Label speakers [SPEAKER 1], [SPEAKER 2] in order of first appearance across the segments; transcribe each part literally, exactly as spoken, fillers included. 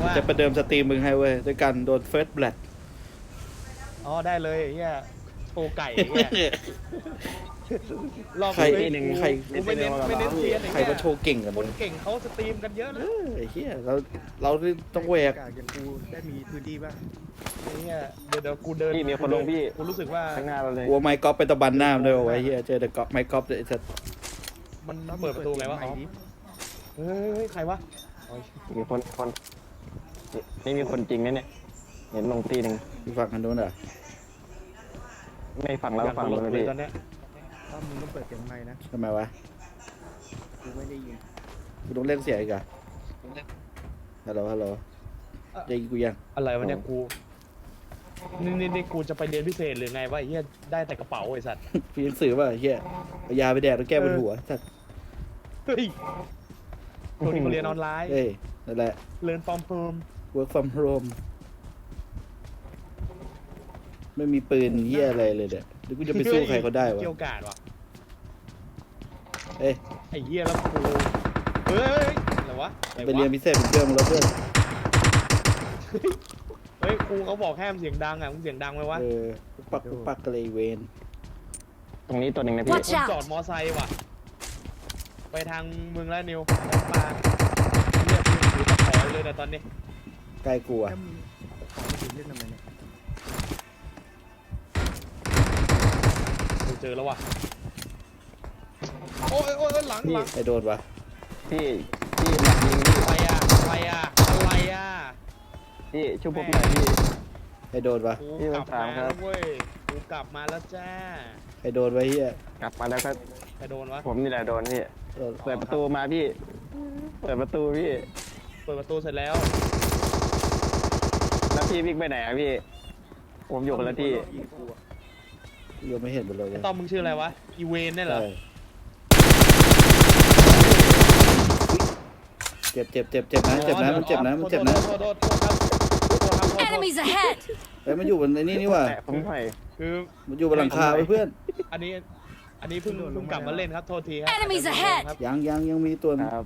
[SPEAKER 1] ว่า
[SPEAKER 2] จะประเดิมสตรีมมึงให้เว้ยด้วยการโดนเฟิร์สแบล็ด
[SPEAKER 1] อ๋อได้เลยไอ้เหี้ยโชว์ไก่ไอ้เหี้ยรอบ
[SPEAKER 2] ใคร
[SPEAKER 1] นี้
[SPEAKER 2] หนึ่ง
[SPEAKER 1] กู
[SPEAKER 2] ใคร
[SPEAKER 1] กูไม่เน้นไม่เน้นเซียนไอ้
[SPEAKER 2] ใคร
[SPEAKER 1] เหี้ย
[SPEAKER 2] มาโชว์เก่งกัน
[SPEAKER 1] คนเก่งเขาสตรีมกันเยอะนะ
[SPEAKER 2] เออไอ้เหี้ยเราเราต้องแหวก
[SPEAKER 3] อย่างกูได้มีพื้นที่ป่ะ
[SPEAKER 1] ไอ้เหี้ยเดี๋ยวเดี๋ยวกูเดิน
[SPEAKER 4] พี่มีคนลงพี่
[SPEAKER 1] กูรู้สึกว่า
[SPEAKER 4] ข้างหน้าเราเลย
[SPEAKER 2] กลัวไมค์กอล์ฟไปตะบันหน้ามันด้วยวะไอ้เหี้ยเจอแต่กอล์ฟไมค์กอล์ฟเลยไอ้สัส
[SPEAKER 1] มันเปิดประตูไงวะอ๋อเฮ้ยใครวะอ๋อ
[SPEAKER 4] มีคนคนนี่มีคนจริงนะเนี่ยเห็นลงทีหนึ่ง
[SPEAKER 2] อีกฝั่งกันโน้นเหรอ
[SPEAKER 4] ไม่ฟังแล้ว
[SPEAKER 1] อยาก
[SPEAKER 4] ฟัง
[SPEAKER 1] ดู
[SPEAKER 4] เลย
[SPEAKER 1] เล
[SPEAKER 4] พี่
[SPEAKER 1] ยตอนเนี้ย
[SPEAKER 3] ถ้ามึงต้องเปิดเสียงไมค์นะ
[SPEAKER 2] ทำไมวะ
[SPEAKER 3] กูไม่ได้ยิน
[SPEAKER 2] กูต้องเล่นเสียงอีกเหรอะฮัลโหลฮัลโหลได้ยินกูยัง
[SPEAKER 1] อะไรวะเนี่ยกูนี่นี่นี่กูจะไปเรียนพิเศษหรือไงวะไอ้เหี้ยได้แต่กระเป๋าไอ้สัตว์
[SPEAKER 2] พี่หนังสือป่ะไอ้เหี้ยเอายาไปแดกแล้วแก้บนหัวสัส
[SPEAKER 1] เฮ้ยตัวนี้เขาเรียนออนไลน์
[SPEAKER 2] เอ้ยนั่นแหละ
[SPEAKER 1] เรียนฟอร์มเพิ่ม
[SPEAKER 2] work from home ไม่มีปืนเหี้ยอะไรเลยเดี๋ยวหรือกูจะไปสู้ใครเขาได้วะ
[SPEAKER 1] เกี่ยวกาดวะ
[SPEAKER 2] เอ้ย
[SPEAKER 1] ไอ้เหี้ยแล้วกูเฮ้ยอะไรวะอะ
[SPEAKER 2] ไป
[SPEAKER 1] วะ
[SPEAKER 2] เรียนพิเศษเป็นเพื่อนมึงแล้วเพื่อน
[SPEAKER 1] เฮ้ยครูเขาบอกห้ามเสียงดังอ่ะมึงเสียงดังไหมวะ
[SPEAKER 2] เออปุ๊บปักปุ๊บปักกันเลยเวน
[SPEAKER 4] ตรงนี้ตัวหนึ่งนะพี่
[SPEAKER 5] Watch
[SPEAKER 1] คนจอดมอไซค์ว่ะไปทางมึงแล้วนิวปลาเรียกมึงถือตะขอเลยนะตอนนี้
[SPEAKER 2] ใกล้กูอะ
[SPEAKER 3] ถ้ามึงขอมาถึงเล่นทำไมเนี่ย
[SPEAKER 1] กูเจอแล้วว่ะโอ้ยโอ้ยหลังหลัง
[SPEAKER 2] ไอโดนวะ
[SPEAKER 4] พี่พี่หลักยิงพี่
[SPEAKER 1] อะไรอ่ะอะไรอ่ะอะไรอ่ะ
[SPEAKER 4] พี่ช่วยผมหน่อยพี่
[SPEAKER 2] ไอโดนวะ
[SPEAKER 1] กู
[SPEAKER 4] พี่
[SPEAKER 1] ก
[SPEAKER 4] มา
[SPEAKER 1] ลับ
[SPEAKER 4] ถาม
[SPEAKER 1] มา
[SPEAKER 4] ครั
[SPEAKER 1] แล้
[SPEAKER 4] บ
[SPEAKER 1] วเว้ยกูกลับมาแล้วจ้า
[SPEAKER 2] ไอโดนไว้เฮีย
[SPEAKER 4] กลับมาแล้วก็
[SPEAKER 1] ใครโดนวะ
[SPEAKER 4] ผมนี่แหละโดนพี่
[SPEAKER 2] โดน
[SPEAKER 4] เปิดประตูมาพี่ เปิดประตูพี่
[SPEAKER 1] เปิดประตูเสร็จแล้ว
[SPEAKER 4] แล้วพี่วิ่งไปไหนอะพี่ ผมอยู่คนละที่
[SPEAKER 3] ยิงกูอะ
[SPEAKER 2] ยังไม่เห็นหมดเลย
[SPEAKER 1] ไอ้ต้อมมึงชื่ออะไรวะอีเวนเนี่ยเหรอ
[SPEAKER 2] ใช่เจ็บเจ็บเจ็บเจ็บนะเจ็บนะมันเจ็บนะมันเจ็บนะ
[SPEAKER 1] โทษโทษโทษครับโทษครับโทษโทษ
[SPEAKER 5] Enemies ahead!
[SPEAKER 2] เฮ้ยมันอยู่บนไอ้นี่นี่ว่ะ
[SPEAKER 4] แตะผมหน่อย
[SPEAKER 1] คือ
[SPEAKER 2] มันอยู่บนหลังคาไว้เพื่อน
[SPEAKER 1] อันนี้อันนี้เพิ่งเพิ่งกลับมาเล่นครับโทษทีครั
[SPEAKER 5] Enemies ahead
[SPEAKER 1] ครับ
[SPEAKER 2] ยังยังยังมีตัว
[SPEAKER 4] ครับ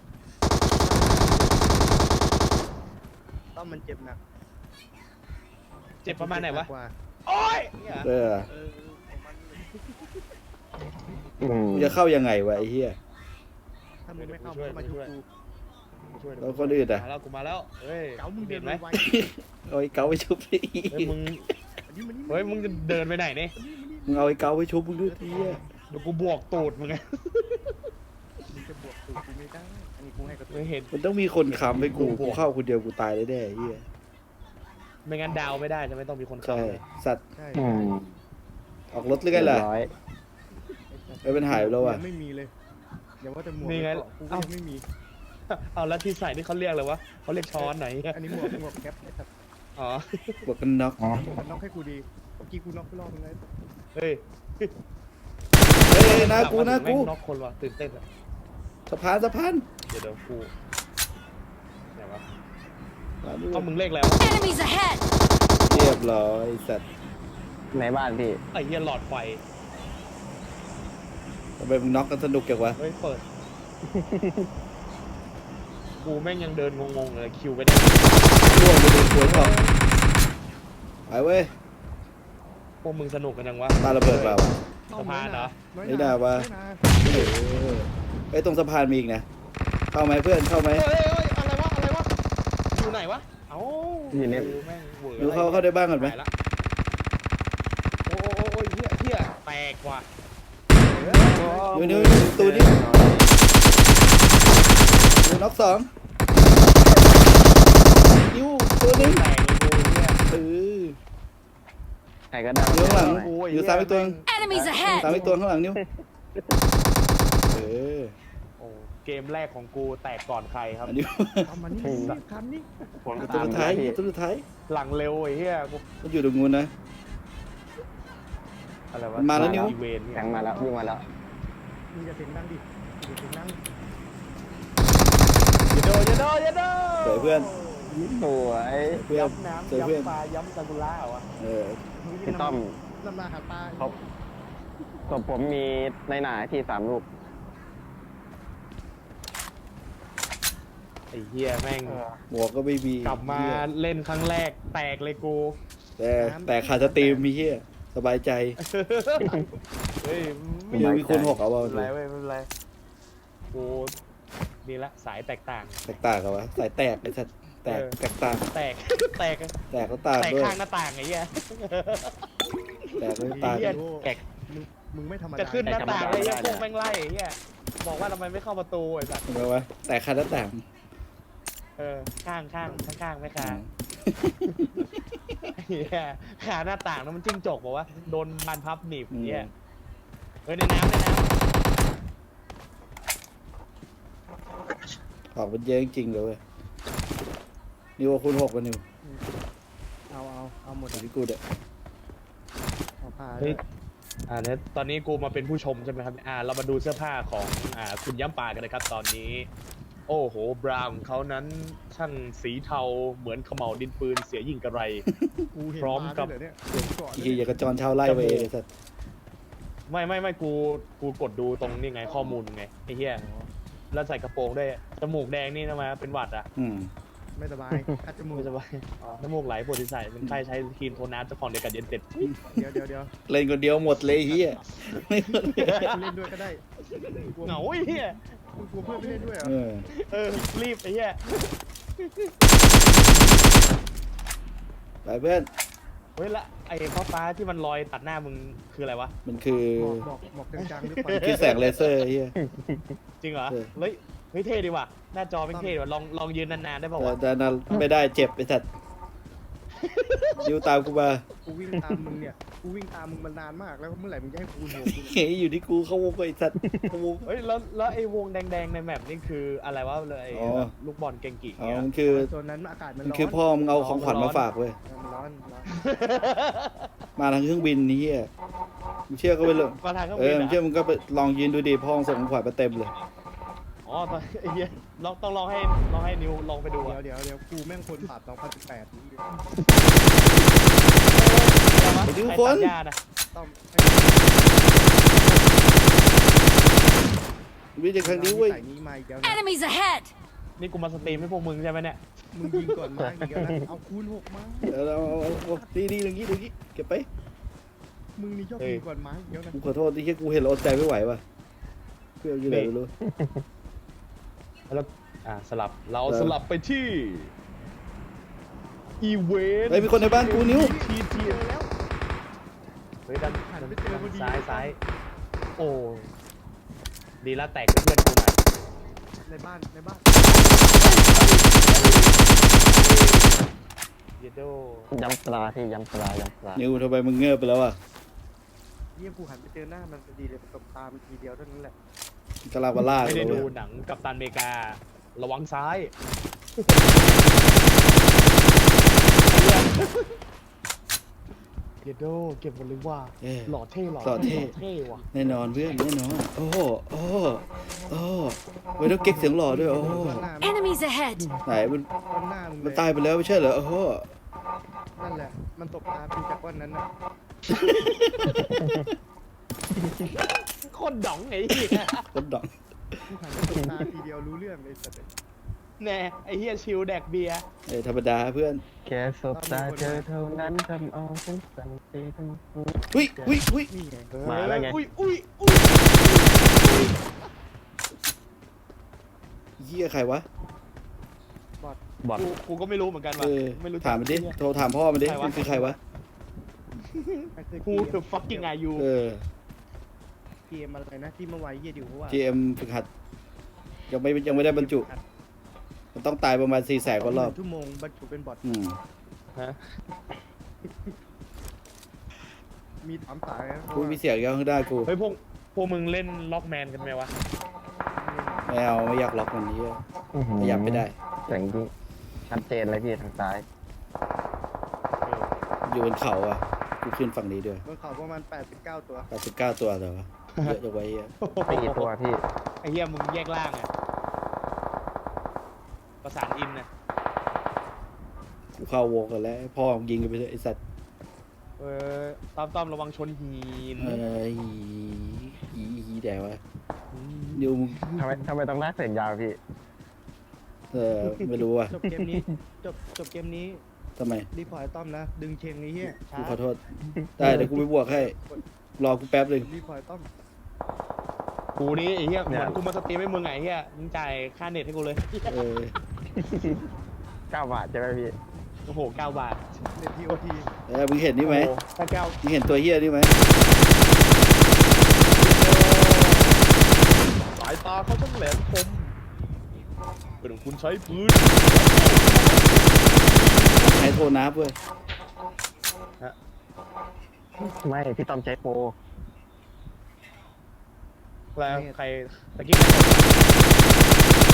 [SPEAKER 3] ต้องมันเจ็บหนัก
[SPEAKER 1] เจ็บประมาณไหนวะ
[SPEAKER 3] กว่า
[SPEAKER 1] โอ้ยเนี่ย
[SPEAKER 2] เออ
[SPEAKER 3] เออของมัน
[SPEAKER 4] อืม
[SPEAKER 2] กูจะเข้ายังไงวะไอ้เหี้ย
[SPEAKER 3] ถ้ามึงไม่เข้ามึงก็มาชุบกู
[SPEAKER 1] ช่วยหน่อย
[SPEAKER 2] แล้วคนอื่นอะ
[SPEAKER 1] มาแล้วกูมาแล้วเฮ้ย
[SPEAKER 3] เก๋ามึงเดิ
[SPEAKER 1] เห็
[SPEAKER 3] น
[SPEAKER 1] นไหม
[SPEAKER 3] ไว
[SPEAKER 2] เอาไอ้เกาไปชุบดิ
[SPEAKER 1] เฮ้ยมึง
[SPEAKER 3] ๆอันนี้มันนี่
[SPEAKER 1] เฮ้ยมึงจะเดินไปไหนเนี่ย
[SPEAKER 2] มึงเอาไอ้เกาไปชุบมึงด้วยทีอะ
[SPEAKER 1] เดี๋ยวกูบวกตูดมึงไง
[SPEAKER 3] มึงจะบวกตูดกูไม่ได้อันนี้กูให้กระตุ้
[SPEAKER 1] ไม่
[SPEAKER 3] น
[SPEAKER 1] เห็น
[SPEAKER 2] มันต้องมีคนค้ำให้กูกูเข้าคนเดียวกูตายเลยแน่ไอ้เหี้ย
[SPEAKER 1] ไม่งั้นดาวไม่ได้จะไม่ต้องมีคน
[SPEAKER 2] ใช่
[SPEAKER 1] เข้าเลย
[SPEAKER 2] สัตว์
[SPEAKER 3] ใช่
[SPEAKER 4] อืม
[SPEAKER 2] ออกรถหรือไงล่ะ
[SPEAKER 4] เรียบร้อย
[SPEAKER 2] เอ้ยมันหายไปแล้วว่ะ
[SPEAKER 3] ยังไม่มีเลยอย่าว่าแต่หมวก
[SPEAKER 1] นี่ไง
[SPEAKER 3] เกาะกูก็ยังไม่มี
[SPEAKER 1] เอาแล้วที่ใส่นี่เขาเรียกอะไรวะเขาเรียกช้อนไหน
[SPEAKER 3] อันนี้หมวกหมวกแคปไอ้สัตว์
[SPEAKER 1] อ๋อ
[SPEAKER 2] บวกกันน็อก
[SPEAKER 4] อ๋อ
[SPEAKER 3] หมวกกันน็อกให้กูดีเมื่อกี้กูน็อกไปรอบนึงแล้ว
[SPEAKER 1] เฮ้ย
[SPEAKER 2] เฮ้ยเฮ้ยนะกูนะกู
[SPEAKER 1] น็อกคนว่ะตื่นเต้นอะ
[SPEAKER 2] สะพานสะพาน
[SPEAKER 1] เดี๋ยวเดี๋ยวกูไหนวะ
[SPEAKER 2] มาดู
[SPEAKER 1] เอามึงเลขแล้ว
[SPEAKER 5] Enemies ahead!
[SPEAKER 2] เรียบร้อยสัตว์
[SPEAKER 4] ในบ้านพี่
[SPEAKER 1] ไอ้เหี้ยหลอดไฟ
[SPEAKER 2] ทำไมมึงน็อกกันสนุกจังวะ
[SPEAKER 1] เฮ้ยเปิด กูแม่งยังเดินงงๆเลยคิวไปได้
[SPEAKER 2] ร่วงไปดูสวยก่อนไปเว้ย
[SPEAKER 1] พวกมึงสนุกกันยังวะ
[SPEAKER 2] ปาระเบิดเปล่าวะ
[SPEAKER 1] สะพานเหรอ
[SPEAKER 2] ไม่ได้วะ
[SPEAKER 3] ไม่ได้
[SPEAKER 2] เออไอ้ยตรงสะพานมีอีกนะเข้าไหมเพื่อนเข้าไหม
[SPEAKER 1] เฮ้ยเฮ้ยอะไรวะอะไรวะอยู่ไหนวะเอ้า
[SPEAKER 4] อยู่ใน
[SPEAKER 1] กูแม่งเวอร์
[SPEAKER 2] ดูเข้าเข้าได้บ้างก่อนไหม
[SPEAKER 1] ตายละโอ้โอ้โอ้ยเหี้ยเหี้ยแตกว่ะ
[SPEAKER 2] นิ้วนิ้วนิ้วตูนี่นิ้วน็อกสองนิ้วตัวนึง
[SPEAKER 1] แตกเลยกูเหี้ย
[SPEAKER 2] เออ
[SPEAKER 4] ใครก็ได้
[SPEAKER 2] อยู่ข้างหลัง
[SPEAKER 1] โอ้ย
[SPEAKER 2] อยู่ซ้ายไปตัว
[SPEAKER 5] Enemies
[SPEAKER 2] สาม
[SPEAKER 5] ahead!
[SPEAKER 2] อีกตัวข้างหลังนิ้วเออ
[SPEAKER 1] โอ้เกมแรกของกูแตกก่อนใครครับ
[SPEAKER 2] อันนี้
[SPEAKER 3] ทำมันนี่ทำนี่
[SPEAKER 4] ผม
[SPEAKER 2] ตัว
[SPEAKER 4] ตาม
[SPEAKER 2] สุดท้าย
[SPEAKER 4] พี่
[SPEAKER 2] ตัวสุดท้าย
[SPEAKER 1] หลังเร็วไอ้เหี้ยกู
[SPEAKER 2] มันอยู่ตรงนู้นนะ
[SPEAKER 1] อะไรวะ
[SPEAKER 2] มันมาแล้วนิ้ว
[SPEAKER 1] อีเวนต์
[SPEAKER 4] แทงมาแล้ววิ่งมาแล้ว
[SPEAKER 3] มึงจะเสียงดังดิอย่าเสียงดัง
[SPEAKER 1] อย่าโดนอย่าโดนอย่าโดน
[SPEAKER 2] สวยเพื่อน
[SPEAKER 4] สวย
[SPEAKER 2] เพื่อน
[SPEAKER 1] ย้ำน้ำ
[SPEAKER 2] สวยเพื่อน
[SPEAKER 1] ย้ำปลาย้ำซากุระเหรอวะ
[SPEAKER 2] เออ
[SPEAKER 4] พี่ต้อม
[SPEAKER 3] น้ำลายหาปลา
[SPEAKER 4] เขาศพผมมีในหนาที่สามลูก
[SPEAKER 1] ไอ้เหี้ยแม่ง
[SPEAKER 2] หมวกก็ไม่มี
[SPEAKER 1] กลับมา
[SPEAKER 2] เหี้ย
[SPEAKER 1] เล่นครั้งแรกแตกเลยกู
[SPEAKER 2] แต่แต่ขาดสตรีมมีเฮียสบายใจ
[SPEAKER 1] เฮ้ย
[SPEAKER 2] มีมีคนหกเอาเอา
[SPEAKER 1] ไม่เป็น
[SPEAKER 2] ดู
[SPEAKER 1] ไรเว้ยไม่เป็นไรกูนี่ละสายแตกต่าง
[SPEAKER 2] แตกต่างกันวะสายแตกไอ้สัตว์แตก
[SPEAKER 1] เออ
[SPEAKER 2] แตกต่าง
[SPEAKER 1] แตก แตก
[SPEAKER 2] แตกก็ต่าง
[SPEAKER 1] แตก
[SPEAKER 2] ด้วย
[SPEAKER 1] ข้างหน้าต่างไอ้เหี้ย
[SPEAKER 2] แตกก็ต่าง
[SPEAKER 1] เหี้ย แตก
[SPEAKER 3] มึงมึงไม่ธรรมดา
[SPEAKER 1] จะขึ้นหน้าต่างเลย
[SPEAKER 4] แต
[SPEAKER 1] ไอ้
[SPEAKER 4] กธรรมดา
[SPEAKER 1] พวกแม่งไล่ไอ้เหี้ยบอกว่าทำไมไม่เข้าประตูไอ้สัส
[SPEAKER 2] ทำไมวะแตกขาดหน้าต่าง
[SPEAKER 1] เออข้างข้างข้างข้างไม่ข้างเหี้ยขาหน้าต่างแล้วมันจิ้งจกบอกว่าโดนบานพับหนีบ
[SPEAKER 2] อืม
[SPEAKER 1] เหี้ยเฮ้ยในน้ำในน้
[SPEAKER 2] ออกมันเยอะจริงๆเลยเว้ยนิวว่าคุณหกกันนิว
[SPEAKER 3] เอาเอาเอาหมด
[SPEAKER 2] อยู่
[SPEAKER 3] อะ
[SPEAKER 2] ที่กูเด้อ
[SPEAKER 3] เอาผ้า
[SPEAKER 1] ำ
[SPEAKER 3] ด้
[SPEAKER 1] เฮ้
[SPEAKER 3] วย ย
[SPEAKER 1] อ่าเนี่ยตอนนี้กูมาเป็นผู้ชมใช่ไหมครับอ่าเรามาดูเสื้อผ้าของอ่าคุณย้ำปากันนะครับตอนนี้ โอ้โหบราวน์ของเขานั้นช่างสีเทาเหมือนเขม่าวดินปืนเสียยิ่งกระไร
[SPEAKER 3] กูเห็น
[SPEAKER 1] พร้อม
[SPEAKER 3] มา
[SPEAKER 1] กับ
[SPEAKER 3] ด้วยเหรอเนี่ยเห็นก่อน
[SPEAKER 2] อีกทีอย่ากระจรเช่าไล่ไปเองไอ้สัตว์
[SPEAKER 1] ไม่ไม่ไม่กูกูกดดูตรงนี่ไงข้อมูลไงไอ้เหี้ยแล้วใส่กระโปรงด้วยจมูกแดงนี่นะมาเป็นหวัดอ่ะ
[SPEAKER 2] อืม
[SPEAKER 3] ไม่สบายคัดจมูก
[SPEAKER 1] ไม่สบายน้ำมูกไหลปวดศีรษะเป็นไข้ใช้ครีมโทนน้ำเจ้าของเดียวกันเย็นเต็ด
[SPEAKER 3] เดี๋ยวเดี๋ยวเดี๋ยว
[SPEAKER 2] เล่นคนเดียวหมดเลยเฮียไม่
[SPEAKER 3] กูเล่นด้วยก็ได้กลัว
[SPEAKER 1] เหงาไอ้เหี้ย
[SPEAKER 3] กูกลัวเพื่อนไม่เล่นด้วยเหรอ
[SPEAKER 2] เออ
[SPEAKER 1] เออรีบไอ้เหี้ย
[SPEAKER 2] ไปเพื่อน
[SPEAKER 1] เฮ้ยละไอ้ฟ้าฟ้าๆที่มันลอยตัดหน้ามึงคืออะไรวะ
[SPEAKER 2] มันคือ
[SPEAKER 3] หมอกหมอกหมอกจางๆหรือเป
[SPEAKER 2] มัน
[SPEAKER 3] ล่า
[SPEAKER 2] คือแสงเลเซอร์เฮีย
[SPEAKER 1] จริงเหรอ
[SPEAKER 2] เออ
[SPEAKER 1] เฮ้ยเฮ้ยเท่ดีว่ะหน้าจอเป็นเท่ดีว่ะลองลองยืนนานๆได้ป่าวะ
[SPEAKER 2] แต่นั้นไม่ได้เจ็บไอ้สัตว์ยิวตามกูมา
[SPEAKER 3] กูวิ่งตามมึงเนี่ยกูวิ่งตามมึงมานานมากแล้วเมื่อไหร่มึงจะให้กูโหวกู
[SPEAKER 2] เฮ้ยอยู่ที่กูเข้าวงไปไอ้สัตว์เข้าวง
[SPEAKER 1] เฮ้ยแล้วแล้วไอ้วงแดงๆในแมปนี่คืออะไรวะเลย
[SPEAKER 2] อ๋อ
[SPEAKER 1] แบบลูกบอลเกงกิ
[SPEAKER 2] อ๋อ
[SPEAKER 1] เงี้ย
[SPEAKER 2] มันคือ
[SPEAKER 3] โซนนั้นอากาศมัน
[SPEAKER 2] มัน
[SPEAKER 3] ร้อน
[SPEAKER 2] คือพ่อมึงเอาของขวัญมาฝากเว้ย
[SPEAKER 3] มันร้อนร้อน
[SPEAKER 2] มาทางเครื่องบินนี่เฮียมึงเชื่อก็ไปเลย
[SPEAKER 1] มาทางเครื่อง
[SPEAKER 2] เอ
[SPEAKER 1] บิ
[SPEAKER 2] อน มึง
[SPEAKER 1] อะ
[SPEAKER 2] เชื่อมึงก็ไปลองยืนดูดิพ่อมึงส่งของขวัญมาเต็มเลย
[SPEAKER 1] อ๋อตอนไอ้เหี้ยลองต้องลองให้ลองให้นิวลองไปดู
[SPEAKER 3] เดี๋ย
[SPEAKER 1] อะ
[SPEAKER 3] วเดี๋ยวเดี๋ยวกูแม่งคนปราบสองพันสิบแปดนี่
[SPEAKER 2] ไปดู
[SPEAKER 1] ใคร
[SPEAKER 2] คน
[SPEAKER 1] ตัดหญ้านะ
[SPEAKER 3] ต้อง
[SPEAKER 2] วิจัยครั้งนี้เว้ย
[SPEAKER 3] ใส่นี้มาอีกแล้วนะ
[SPEAKER 5] Enemies ahead!
[SPEAKER 1] นี่กูมาสตรีมให้พวกมึงใช่ไหมเนี่ย
[SPEAKER 3] มึงยิงก่อนมาอีกแล้วนะเอาคูณหกมา
[SPEAKER 2] เดี๋ยวเราเอาเอาเอาดีดีอย่างงี้อย่างงี้เก็บไป
[SPEAKER 3] มึงนี่ชอบยิงก่อนมาอีกแล้วนะ
[SPEAKER 2] กูขอโทษที่แค่กูเห็นแล้วอดใจไม่ไหวว่ะเพื่อนอยู่ไหนไม่รู้
[SPEAKER 1] แล้วอ่าสลับเรา
[SPEAKER 2] เออ
[SPEAKER 1] สลับไปที่อีเวนต์
[SPEAKER 2] เฮ้ยมีคนในบ้านกูนิ้ว
[SPEAKER 1] ทีที
[SPEAKER 3] เจอแล้ว
[SPEAKER 1] เฮ้ยด้าน
[SPEAKER 3] หัน
[SPEAKER 1] ด้าน
[SPEAKER 3] ไปเจอพอดี
[SPEAKER 1] ซ้ายซ้ายโอ้ดีละแตกเป็นเพื่อนกูหน่อย
[SPEAKER 3] ในบ้านในบ้าน
[SPEAKER 1] เยโด
[SPEAKER 4] ย้ำปลาที่ย้ำปลาย้ำปลา
[SPEAKER 2] นิวทำไมมึงเงือบไปแล้วอ่ะ
[SPEAKER 3] เยี่ยมกูหันไปเจอหน้ามันพอดีเลยตบตามันทีเดียวเท่านั้นแหละ
[SPEAKER 2] กะลาบาล่า
[SPEAKER 1] ไม่ได้
[SPEAKER 2] เลย
[SPEAKER 1] ดู
[SPEAKER 2] เว้ย
[SPEAKER 1] หนังกัปตันอเมริกา ระวังซ้ายเยโดเก็บหมดเลยว่า
[SPEAKER 2] เอ้ย
[SPEAKER 1] หล่อเท่หล่อ
[SPEAKER 2] หล่อเท่
[SPEAKER 1] เท่ว่ะ
[SPEAKER 2] แน่นอนเพื่อนแน่นอนโอ้โหโอ้โหโอ้โหเว้ยต้องเก๊กเสียงหล่อด้วยโอ้โห
[SPEAKER 3] ก้อนหน้า
[SPEAKER 5] Enemies ahead!
[SPEAKER 2] ไหนมัน
[SPEAKER 3] ก้อนหน้ามึงเล
[SPEAKER 2] มัน
[SPEAKER 3] ย
[SPEAKER 2] ตายไปแล้วไม่ใช่เหรอโอ้โห
[SPEAKER 3] นั่นแหละมันตบตาพี่จากก้อนนั้นน่ะ
[SPEAKER 1] โคตรด๋องไอ้เหี้ย
[SPEAKER 2] คนดอก
[SPEAKER 3] กูหันไปตบตาทีเดียวรู้เรื่องเลยสัตว์
[SPEAKER 1] แน่ไอ้เหี้ยชิลแดกเบียร์
[SPEAKER 2] เอ้ยธรรมดาเพื่อน
[SPEAKER 4] แค่สบตาเจอเท่านั้นทำเอาฉันสั่นตีทั้งหัว
[SPEAKER 2] อุ้ยอุ้ยอุ้ย
[SPEAKER 3] นี่ไง
[SPEAKER 4] มาแล้วไง
[SPEAKER 1] อุ้ยอุ้ยอุ้ย
[SPEAKER 2] เหี้ยใครวะ
[SPEAKER 4] บอด
[SPEAKER 1] กูกูก็ไม่รู้เหมือนกัน
[SPEAKER 2] เอ
[SPEAKER 1] ว่ะ
[SPEAKER 2] อ
[SPEAKER 1] ไม่รู้จัก
[SPEAKER 2] ถามมันดิ
[SPEAKER 1] ไอ้เหี้ย
[SPEAKER 2] โทรถามพ่อมันดิ
[SPEAKER 1] ใครวะ
[SPEAKER 2] มันคือใครวะ
[SPEAKER 1] Who the fucking are you
[SPEAKER 2] เออ
[SPEAKER 3] เกมอะไรนะที่เมื่อวานเยี่ยดิวว่า
[SPEAKER 2] จี เอ็ม ฝึกหัดยังไม่ยังไม่ได้บรรจุ มันต้องตายประมาณสี่แสนกว่ารอบ
[SPEAKER 3] ชั่วโมงบรรจุเป็นบอท
[SPEAKER 2] อืม
[SPEAKER 1] ฮะ
[SPEAKER 3] มีถามสายนะ
[SPEAKER 2] กูมีเสียงยังข้างหน้ากู
[SPEAKER 1] เฮ้ยพวกพวกมึงเล่นล็อกแมนกันไหมวะ
[SPEAKER 2] ไม่เอาไม่อยากล็อกมันนี้ขยับไม่ได้
[SPEAKER 4] แต่งที่ชัดเจนเลยพี่ทางซ้าย
[SPEAKER 2] อยู่บนเขาอ่ะ กูขึ้นฝั่งนี้ด้วย
[SPEAKER 3] บนเขาประมาณแปดสิบเก้าตัว
[SPEAKER 2] แปดสิบเก้าตัวแต่ว่าเยอะจังไว้เหี้ย
[SPEAKER 4] ไม่กี่ตัวพี่
[SPEAKER 1] ไอ้เหี้ยมึงแยกล่างอ่ะประสานอินนะ
[SPEAKER 2] กูเข้าวงกันแล้วพ่อมึงยิงกันไปเลยไอ้สัตว์
[SPEAKER 1] เออต้อมต้อมระวังชนหิน
[SPEAKER 2] เอ้ยอีอีแดวะนิวมึง
[SPEAKER 4] ทำไมทำไมต้องลากเสียงยาวพี่
[SPEAKER 2] เออไม่รู้ว่ะ
[SPEAKER 3] จบเกมนี้จบจบเกมนี้
[SPEAKER 2] ทำไม
[SPEAKER 3] รีพอร์ตไอ้ต้อมนะ ดึงเชงไอ้เหี้ยช้า
[SPEAKER 2] กูขอโทษได้เดี๋ยวกูไปบวกให้รอกูแป๊บหนึ่ง
[SPEAKER 3] รีพอร์ตไอ้ต้อม
[SPEAKER 1] กูนี่ไอ้เหี้ยเหมือนกูมาสตรีมให้มึงไงไอ้เหี้ยมึงจ่ายค่าเน็ตให้กูเลย
[SPEAKER 2] เออ
[SPEAKER 4] เก้าบาทใช่ไหมพี่
[SPEAKER 1] โอ้โหเก้าบาท
[SPEAKER 3] เน็ตทีโอที
[SPEAKER 2] เออมึงเห็นนี่ไหม
[SPEAKER 1] โอ้โถ้าเก้า
[SPEAKER 2] มึงเห็นตัวเฮียนี่ไหม
[SPEAKER 1] สายตาเขาต้องแหลมคมเป็นของคุณใช้ปืน
[SPEAKER 2] ใช้โทรนับเว้ย
[SPEAKER 4] ไม่พี่ต้อมใช้โปร
[SPEAKER 1] แล้วใครตะกี้ใครบอก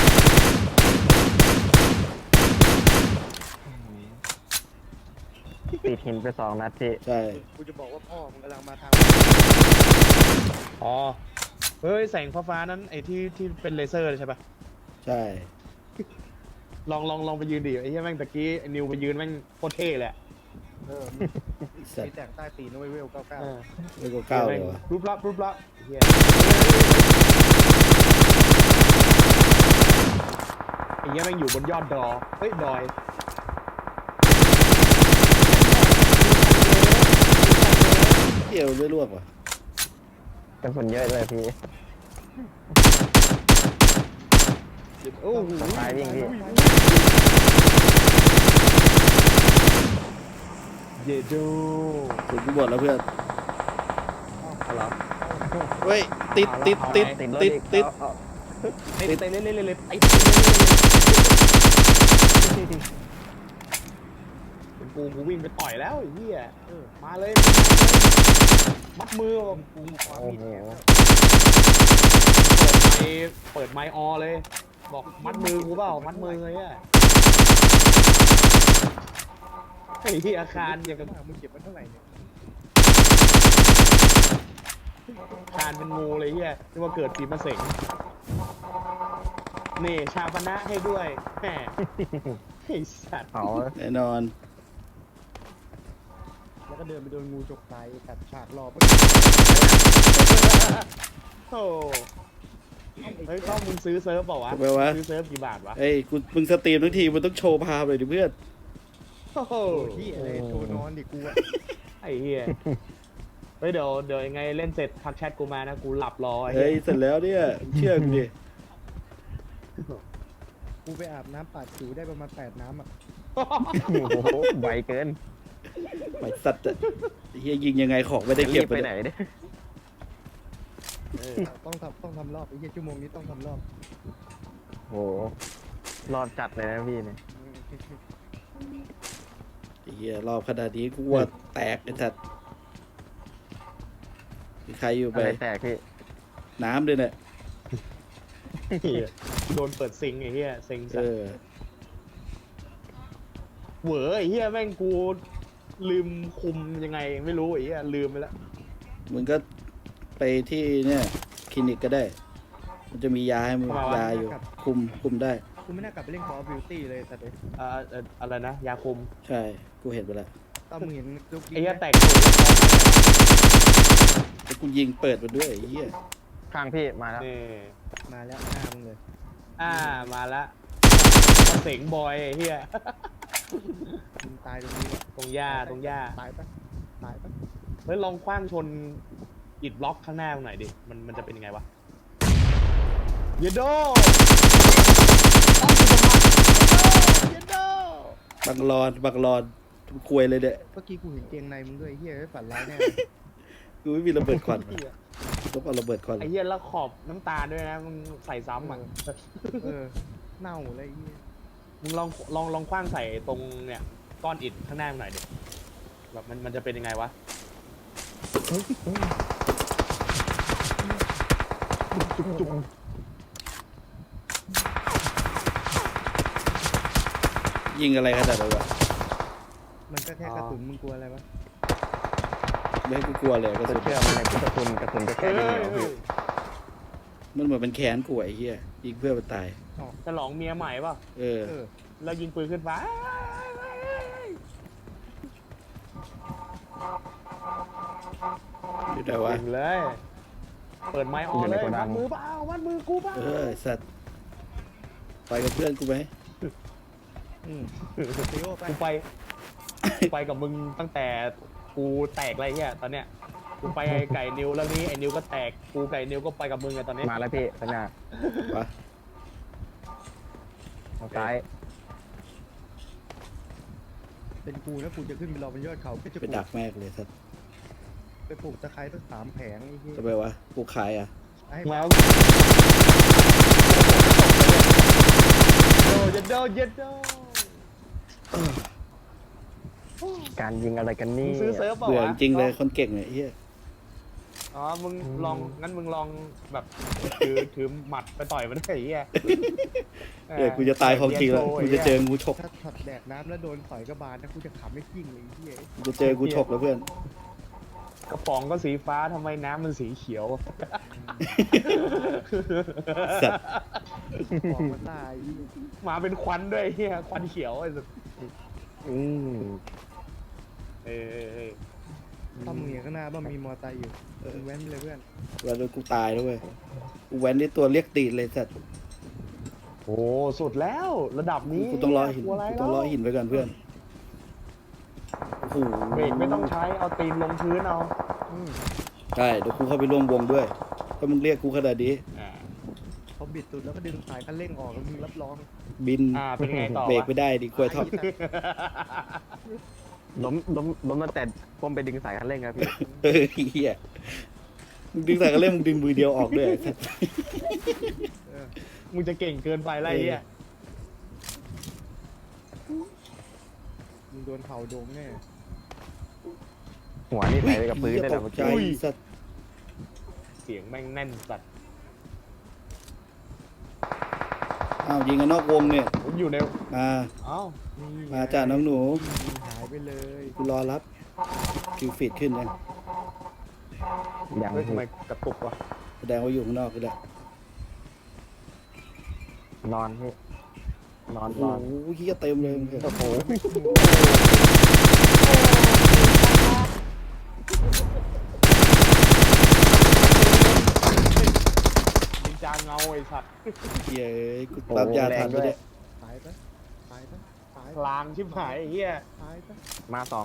[SPEAKER 4] ติดหินไปสองนัดพี่
[SPEAKER 2] ใช่
[SPEAKER 3] กูจะบอกว่าพ่อมึงกำลังมาทาง
[SPEAKER 1] อ๋อเฮ้ยแสงฟ้าๆนั้นไอ้ที่ที่เป็นเลเซอร์เลยใช่ปะ
[SPEAKER 2] ใช่
[SPEAKER 1] ลองลองลองไปยืนดิไอ้เหี้ยแม่งตะกี้ไอ้นิวไปยืนแม่งโคตรเท่เลยอะ
[SPEAKER 3] เออ
[SPEAKER 2] ไอ้สัต
[SPEAKER 3] มี
[SPEAKER 2] ว์
[SPEAKER 3] แต่งใต้ตีนด้วยเวลเก้าเก้า
[SPEAKER 1] เออ
[SPEAKER 2] ไม่ก็เก้าเลยวะ
[SPEAKER 1] รูปลับรูปลับไอ้เหี้ยไอ้เหี้ยแม่งอยู่บนยอดดอเฮ้ยดอย
[SPEAKER 2] เที่ยวไม่ลวกว่ะ
[SPEAKER 4] กระสุนเยอะเลยพี่
[SPEAKER 1] โอ้โห
[SPEAKER 4] ตายวิ่งพี่
[SPEAKER 1] เยโด
[SPEAKER 2] ถึงกูบอกแล้วเพื่อน
[SPEAKER 1] อะไรอ
[SPEAKER 2] เฮ้ยติดติดติด
[SPEAKER 4] ติดรถ
[SPEAKER 2] ติด
[SPEAKER 4] อีก
[SPEAKER 2] ติด
[SPEAKER 4] เอาเอา
[SPEAKER 1] เต้นเต้นเล่นเล่นเล่นเล่นไอ้เป็นกูกูวิ่งไปต่อยแล้วไอ้เหี้ยเออมาเลยมัดมือกูความ
[SPEAKER 4] โอ้
[SPEAKER 1] มีด
[SPEAKER 4] โห
[SPEAKER 1] เปิดไมค์เปิดไมค์ออเลย บอกมัดมือกูเปล่ามัดมือเลยอ่ะไอ้ที่อาคารอย่างกับ
[SPEAKER 3] มึงเก็บไว้เท่าไหร่เนี่ย
[SPEAKER 1] อาคารเป็นงูเลยเฮียที่ว่าเกิดปีมะเสงนี่ชาปนะให้ด้วยแหมไอ้สัตว์
[SPEAKER 4] เผา
[SPEAKER 2] แน่นอน
[SPEAKER 3] แล้วก็เดินไปโดนงูจกตายตัดฉากรอบ
[SPEAKER 1] โอ้เฮ้ยต้องมึงซื้อเซิร์ฟเปล่าวะ
[SPEAKER 2] ทำไมวะ
[SPEAKER 1] ซื้อเซิร์ฟกี่บาทวะ
[SPEAKER 2] เอ้ยกูมึงสตรีมทั้งทีมันต้องโชว์ภาพเลยดิเพื่อน
[SPEAKER 1] โอ้โห
[SPEAKER 3] โอ้ที่อะไรโชว์นอนดิกูอะ
[SPEAKER 1] ไอ้เฮียเฮ้ยเดี๋ยวเดี๋ยวยังไงเล่นเสร็จทักแชทกูมานะกูหลับรอไอ้
[SPEAKER 2] เฮ้ย
[SPEAKER 1] เหี้ย
[SPEAKER 2] เสร็จแล้วเนี่ยเชื่อกูดิ
[SPEAKER 3] กูไปอาบน้ำปาดผิวได้ประมาณแปดน้ำอ่ะ
[SPEAKER 4] โอ้โหไวเกิน
[SPEAKER 2] ไปสัตว์อะไอ้เฮียยิงยังไงของไม่ได้
[SPEAKER 4] จะ
[SPEAKER 2] เก็
[SPEAKER 4] รี
[SPEAKER 2] บบ
[SPEAKER 4] ไปไหนเนี่ย
[SPEAKER 1] เออ
[SPEAKER 3] ต้องทำต้องทำรอบไอ้เหี้ยชั่วโมงนี้ต้องทำรอบ
[SPEAKER 4] โอ้โหรอดจัดเลยนะพี่เนี่ย
[SPEAKER 2] ไอ้เฮียรอบขนาดนี้กูว่าแตกไอ้สัตว์มีใครอยู่
[SPEAKER 4] อะ
[SPEAKER 2] ไป
[SPEAKER 4] ไรแตกพี่
[SPEAKER 2] น้ำด้วยเนี่ย
[SPEAKER 1] เหี้ยโดนเปิดซิงไอ้เฮียซิง
[SPEAKER 2] เอ
[SPEAKER 1] สัตว์
[SPEAKER 2] อ
[SPEAKER 1] เหวอไอ้เฮียแม่งกูลืมคุมยังไงไม่รู้ไอ้เฮียลืมไปแล้ว
[SPEAKER 2] มึงก็ไปที่เนี่ยคลินิกก็ได้ มันจะมียาให้มึงยาอยู่ คุมคุมได้
[SPEAKER 3] กูไม่น่ากลับไปเล่น Call of Duty เลยแต่เด็ก
[SPEAKER 1] อ่าเอ่ออะไรนะ ยาคุม
[SPEAKER 2] ใช่ กูเห็นไปแล้ว
[SPEAKER 3] ตอนมึงเห็นลูก
[SPEAKER 1] ไอ้เฮีย
[SPEAKER 3] ไหม
[SPEAKER 1] แตกตัว
[SPEAKER 2] แล้วกูยิงเปิดมันด้วยไอ้เหี้ย
[SPEAKER 4] ข้างพี่มาแล้ว
[SPEAKER 1] นี่
[SPEAKER 3] มาแล้วหน้ามึงเลย
[SPEAKER 1] อ่ามาละเสงบอยไอ้เฮีย
[SPEAKER 3] มึงตายตรงนี้แหละ
[SPEAKER 1] ตรงหญ้าตรงหญ้า
[SPEAKER 3] ตายปะตายปะ
[SPEAKER 1] เฮ้ยลองคว้างชนอิดบล็อกข้างหน้ามึงหน่อยดิมันมันจะเป็นยังไงวะเยโดเยโด
[SPEAKER 2] บังรอนบังรอนควยเลยเด้อ
[SPEAKER 3] เมื่อกี้กูเห็นเกงในมึงด้วยไอ้เหี้ยเอ้ยฝันร้ายแน่
[SPEAKER 2] กูไม่มีระเบิดควันต้องเอาระเบิดควัน
[SPEAKER 1] ไอ้เหี้ยแล้วขอบน้ำตาลด้วยนะมึงใส่ซ้ำอ่ะ
[SPEAKER 3] เออเน่าเลยไอ้เหี้ย
[SPEAKER 1] มึงลองลองลองคว้างใส่ตรงเนี่ยก้อนอิฐข้างหน้ามึงหน่อยดิแบบมันมันจะเป็นยังไงวะ
[SPEAKER 2] ยิงอะไรขนาดนั้นวะ
[SPEAKER 3] มันก็แค่กระสุนมึงกลัวอะไรวะ
[SPEAKER 2] ไม่ให้กูกลัวเลยกระ
[SPEAKER 4] จะ
[SPEAKER 2] สุน
[SPEAKER 4] เชื่อมันในพุทธคุณกระสุนจะแค่
[SPEAKER 1] เฮ้
[SPEAKER 4] ยิง
[SPEAKER 1] ย
[SPEAKER 4] เหนียวพี่
[SPEAKER 2] มันเหมือนเป็นแขนกูไอ้เหี้ยยิงเพื่อมันตาย
[SPEAKER 1] ฉลองเมียใหม่ป่ะ
[SPEAKER 2] เออ
[SPEAKER 3] เออ
[SPEAKER 1] แล้วยิงปืนขึ้นฟ้า
[SPEAKER 2] อยู่ไหนวะ
[SPEAKER 1] ยิงเลย เปิดไม้ออนเลยวัดมือเปล่าวัดมือกูเปล่า
[SPEAKER 2] เออไอ้สัตว์ไปกับเพื่อนกูไหม
[SPEAKER 1] ไ
[SPEAKER 3] อืมซีโอไป
[SPEAKER 1] กูไปกูไปกับมึงตั้งแต่กูแตกอะไรเงี้ยตอนเนี้ยกูไปไอ้ไก่นิวแล้วนี่ไอ้นิวก็แตกกูไก่นิวก็ไปกับมึงไงตอนนี้
[SPEAKER 4] มาแล้วพี่ข้างหน้า
[SPEAKER 2] วะ
[SPEAKER 4] ทางซ้าย
[SPEAKER 3] เป็นกูนะกูจะขึ้นไปรอบนยอดเขาก็จะ
[SPEAKER 2] ไป
[SPEAKER 3] ปลู
[SPEAKER 2] ดั
[SPEAKER 3] ก
[SPEAKER 2] กแมกเลยสัตว์
[SPEAKER 3] ไปปลูกตะไคร้ตั้งสามแผงไอ้ที่
[SPEAKER 2] จะไปวะกูขายอ่ะ
[SPEAKER 3] ให้
[SPEAKER 1] แล้วโดเย็ดโดเย็ดโด
[SPEAKER 4] การยิงอะไรกัน
[SPEAKER 1] มึ
[SPEAKER 4] นี่
[SPEAKER 1] งซื้อเซิร์ฟเปล่า
[SPEAKER 2] เบื่อ
[SPEAKER 1] วะ
[SPEAKER 2] จริงๆเลยคนเก่งเนี่ยไอ้เฮีย
[SPEAKER 1] อ๋อมึงลองงั้นมึงลองแบบถือถือหมัดไปต่อยมันได้ไอ้เหี้ย
[SPEAKER 2] เดี๋ยวกูจะตายของจริงแล้วกูจะเจองูฉก
[SPEAKER 3] ถ้าช็อตแดกน้ำแล้วโดนต่อยกระบาลนะกูจะขำไม่กิ้งเลยไอ้ที่
[SPEAKER 2] กูจะเจอกูฉกแล้วเพื่อน
[SPEAKER 1] กระป๋องก็สีฟ้าทำไมน้ำมันสีเขียว
[SPEAKER 2] สัตว์
[SPEAKER 3] บอกมันตาย
[SPEAKER 1] มาเป็นควันด้วยไอ้เฮียควันเขียวไอ้สัส
[SPEAKER 4] อืม
[SPEAKER 1] เออเออเออ
[SPEAKER 3] ถ้ามึงเห็นข้างหน้าบ้างมีมอไซค์อยู่เออแว้นไปเลยเพื่อน
[SPEAKER 2] แล้วกูตายแล้วเว้ยกูแว้นได้ตัวเรียกตีนเลยสัตว์
[SPEAKER 1] โอ้สุดแล้วระดับนี้
[SPEAKER 2] กูต้องรอหิน
[SPEAKER 1] กลัวะไร
[SPEAKER 2] กูต้องรอหินไว้ก่อนเพื่อนโอ้โห
[SPEAKER 1] เบรกไม่ต้องใช้เอาตีนลงพื้นเอาอืม
[SPEAKER 2] ใช่เดี๋ยวกูเข้าไปร่วมวงด้วยถ้ามึงเรียกกูขนาดนี้
[SPEAKER 1] อ่า
[SPEAKER 3] พอบิดสุดแล้วก็ดึงสายคันเร่งออกแล้วมึงรับรอง
[SPEAKER 2] บิน
[SPEAKER 1] อ่าเป็นไงต่อ
[SPEAKER 2] เบรก
[SPEAKER 1] วะ
[SPEAKER 2] ไม่ได้ดิกล้วยทอด
[SPEAKER 4] ล้มล้มล้มตั้งแต่ผมไปดึงสายคันเร่งครับพี่
[SPEAKER 2] เออเฮียมึงดึงสายกระเล่มมึงดึงมือเดียวออกด้วยสัตว์
[SPEAKER 3] เออ
[SPEAKER 1] มึงจะเก่งเกินไปไรเฮีย
[SPEAKER 3] มึงโดนเผาโดงแน่
[SPEAKER 4] หัวนี่ใส่ไปกับพื้นได้
[SPEAKER 2] ต
[SPEAKER 4] แต่เมื่
[SPEAKER 2] ก
[SPEAKER 4] อ
[SPEAKER 2] ใจ
[SPEAKER 4] กี้
[SPEAKER 2] สัตว์
[SPEAKER 1] เสียงแม่งแน่นสัตว์
[SPEAKER 2] อ้าวยิงกันนอกวงเนี่ย
[SPEAKER 1] ผมอยู่ใน
[SPEAKER 2] มา
[SPEAKER 1] เอ้า
[SPEAKER 3] นี่ไง
[SPEAKER 2] มาจ้าน้องหนู
[SPEAKER 3] ยิงหายไปเลย
[SPEAKER 2] กูรอรับคิวฟีดขึ้นยัง
[SPEAKER 4] ยัง
[SPEAKER 1] เฮ้ยทำไมกระตุกวะ
[SPEAKER 2] แสดงว่าอยู่ข้างนอกก็ได้
[SPEAKER 4] นอนพี่นอน
[SPEAKER 2] โอ้
[SPEAKER 4] นอน
[SPEAKER 2] โหเฮียเต็มเลยมึงเห็น
[SPEAKER 4] โอ้โห
[SPEAKER 1] นินจาเงาไอ้สัตว์
[SPEAKER 2] เฮียเอ้ยกูรับยาทันไปเนี่ย
[SPEAKER 3] ตายปะตายปะตาย
[SPEAKER 1] พลางชิบหายไอ้เฮีย
[SPEAKER 3] ตายปะ
[SPEAKER 4] มาสอง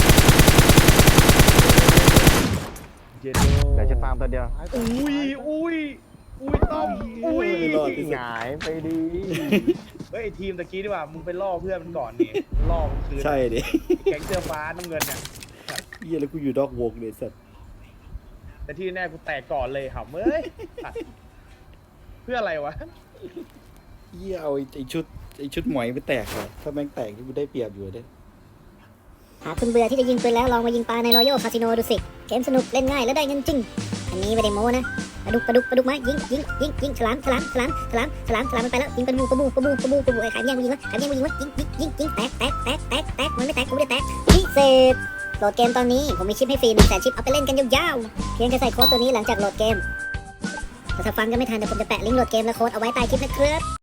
[SPEAKER 1] เย็นโด
[SPEAKER 4] เหลือชุดฟาร์มตัวเดียว
[SPEAKER 3] ตายปะ
[SPEAKER 1] อุ้ยอุ้ยอุ้ยต้อมอุ้ย
[SPEAKER 2] ไม่รอดที่สุ
[SPEAKER 4] ห
[SPEAKER 2] ด
[SPEAKER 4] งายไปดี
[SPEAKER 1] เฮ้ยไอ้ทีมตะกี้ดีกว่ามึงไปล่อเพื่อนมันก่อนนี่ล่อมันคืน
[SPEAKER 2] ใช่ดิ
[SPEAKER 1] แก๊งเสื้อฟ้าน้ำเงินเนี่ย
[SPEAKER 2] เฮียแล้วกูอยู่นอกวงเลยสัตว์
[SPEAKER 1] แต่ที่แน่กูแตกก่อนเลยหำเอ้ยสัตว์เพื่ออะไรวะ
[SPEAKER 2] เฮียเอาไอ้ไอ้ชุดไอ้ชุดหมอยไปแตกเหรอถ้าแม่งแตกนี่กูได้เปรียบอยู่เด้
[SPEAKER 5] หากคุณเบื่อที่จะยิงปืนแล้วลองมายิงปลาในรอยัลคาสิโนดูสิ เกมสนุกเล่นง่ายและได้เงินจริง อันนี้ไม่ได้โม้นะปลาดุกปลาดุกปลาดุกมายิงยิงยิงยิงฉลามฉลามฉลามฉลามฉลามฉลามมันไปแล้วยิงปลาบูปลาบูปลาบูปลาบูปลาบูไอ้ขายแย่งกูยิงวะขายแย่งกูยิงวะยิงยิงยิงยิงแตกแตกแตกแตกแตกมันไม่แตกกูไม่ได้แตกพิเศษโหลดเกมตอนนี้ผมมีชิปให้ฟรีหนึ่งแสนชิปเอาไปเล่นกันยาวๆเพียงแค่ใส่โค้ดตัวนี้หลังจากโหลดเกมแต่ถ้าฟังกันไม่ทันเดี๋ยวผมจะแปะลิงก์โหลดเกมและโค้ดเอาไว้ใต้คลิปนะครับ